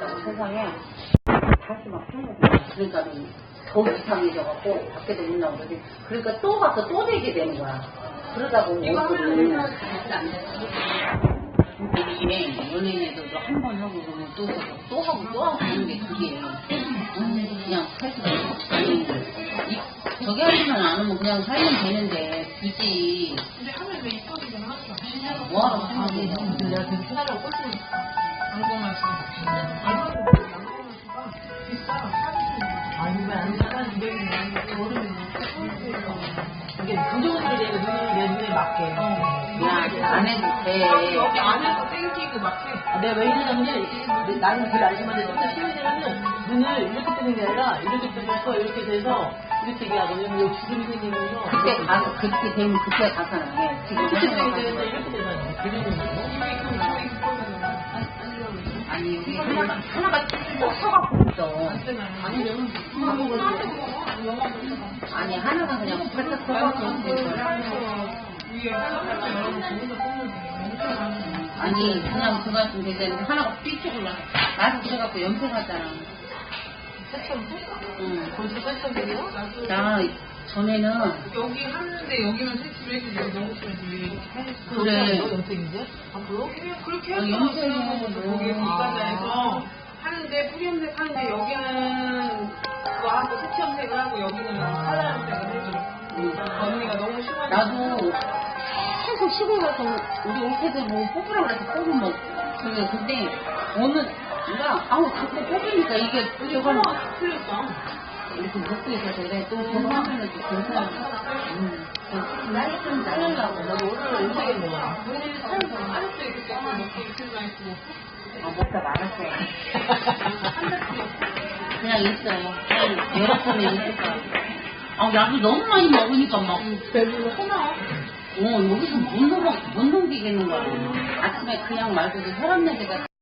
있다고 세상에 다시 막 생각이 그러니까 더 이상해져갖고 밖에도 못 나오고 그러니까 또 가서 또 되게 되는 거야. 그러다 보면 이게 연예인에서도 한 번 하고 그러면 또 하고 하는 게 그게 그냥 살수가 아니 저기 하지만 안 하면 그냥 살면 되는데 굳이 근데 하면 왜 이뻐지긴 하죠? 뭐하러 생각해. 내가 계속 사라고 꼴찌 안고만 아니 왜안 사는 200이 이게 부정들이 내 눈에 맞게 안 해도 돼. 여기 안에서 땡기고 막해. 내가 왜 이러냐면 나는 그 아줌마들 진짜 시민들은 눈을 이렇게 뜨는 게 아니라 이렇게 뜨면서 이렇게 돼서 이렇게 얘기하고 왜냐면 여기 주름이 생기면서 그때 가서 그렇게 되면 그때 가서 해. 지금 이렇게 되는데 이렇게 되잖아요. 아니 여기 하나가 꼭 서갖고 있어. 아니 하나가 그냥 살짝 서갖고 있어. 아니 그냥 그거 같은 데 하나가 삐쪽을 나서 그래갖고 염색하잖아. 응. 거기서 뺐던데요? 나 전에는 여기 하는데 여기만 세치를 해서 여기 너무 싫어지. 그래. 염색인데? 앞으로? 그렇게 해서 염색은 거기 이간자에서 하는데 뿌리 염색 하는데 여기는 그거 하고 세치 염색을 하고 여기는 컬러 염색을 해줘. 언니가 너무 심하게. 나도 계속 시골 가서 우리 올테들 뭐 뽑으라고 해서 뽑으면 그래. 근데 어느 누가 자꾸 뽑으니까 이게 저거는 틀렸어. 이렇게 먹고 있어서 그래. 또 저거 하면은 또 괜찮아. 날이 좀 잘라려고. 나도 오늘 염색했네. 오늘 살고 알았어요. 그때 먹기 이틀 나 있고. 먹다 말았어요. 그냥 있어요. 여러 번에 있을 거야. 야도 너무 많이 먹으니까 막. 배불러 하나. 여기서 못 넘기겠는 거야. 아침에 그냥 말고도 혈압 내기가